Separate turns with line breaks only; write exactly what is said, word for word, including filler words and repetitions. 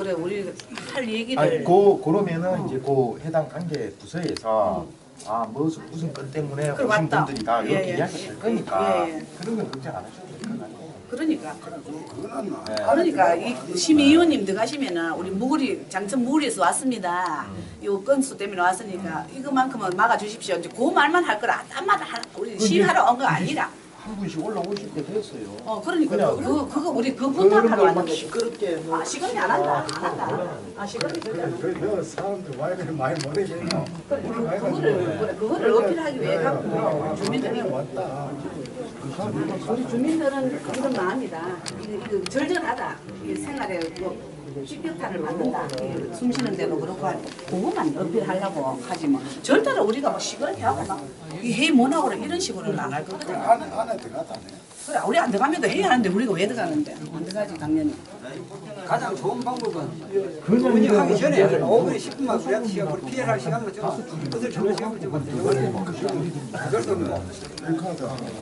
그래 우리 할 얘기를.
아니, 그 그러면은 이제 그 해당 관계 부서에서 아 무슨 무슨 건 때문에
그래,
오신
맞다.
분들이 다 이렇게
예, 예.
이야기할 거니까
예, 예.
그런 건 걱정 안 하셔도 될 것 같아요.
그러니까.
네.
그러니까 이 심의위원님 들어가시면은 우리 무구리 장천 무구리에서 왔습니다. 요 건수 때문에 왔으니까 이거만큼은 막아주십시오. 이제 그 말만 할 거라 딴 말을 할 우리 시위하러 온 거 아니라.
한 분씩 올라오실 때 됐어요.
어 그러니까
그냥
그, 그 그거 우리 그
그런
부탁하러
걸
왔는
막
거지.
시끄럽게 뭐
아 시끄럽게 안 한다. 안 한다. 아 시끄럽게 절대 안 한다.
그 사람들 와 이렇게 많이 모르겠나?
그래, 그거를 그래, 그거를 어필하기 위해 갖고 주민들이
왔다.
우리 주민들은 이런 마음이다. 이거, 이거 절절하다. 이 생활에 뭐 식격탄을 받는다. 이 숨 쉬는 데도 그렇고 하니 그것만 어필하려고 하지 뭐. 절대로 우리가 뭐 시끄럽게 하고 막이 회의 못 하고 이런 식으로는 안 할 거거든.
안에 안에 들어갔다.
그래 우리 안 들어가면 회의 하는데 우리가 왜 들어가는데? 안 들어가지 당연히.
가장 좋은 방법은 운영하기 전에 한 오 분에 십 분만 우리한테 시간을 피해갈 시간으로 좀 뜻을 주는 시간을 좀 만들어야 돼요.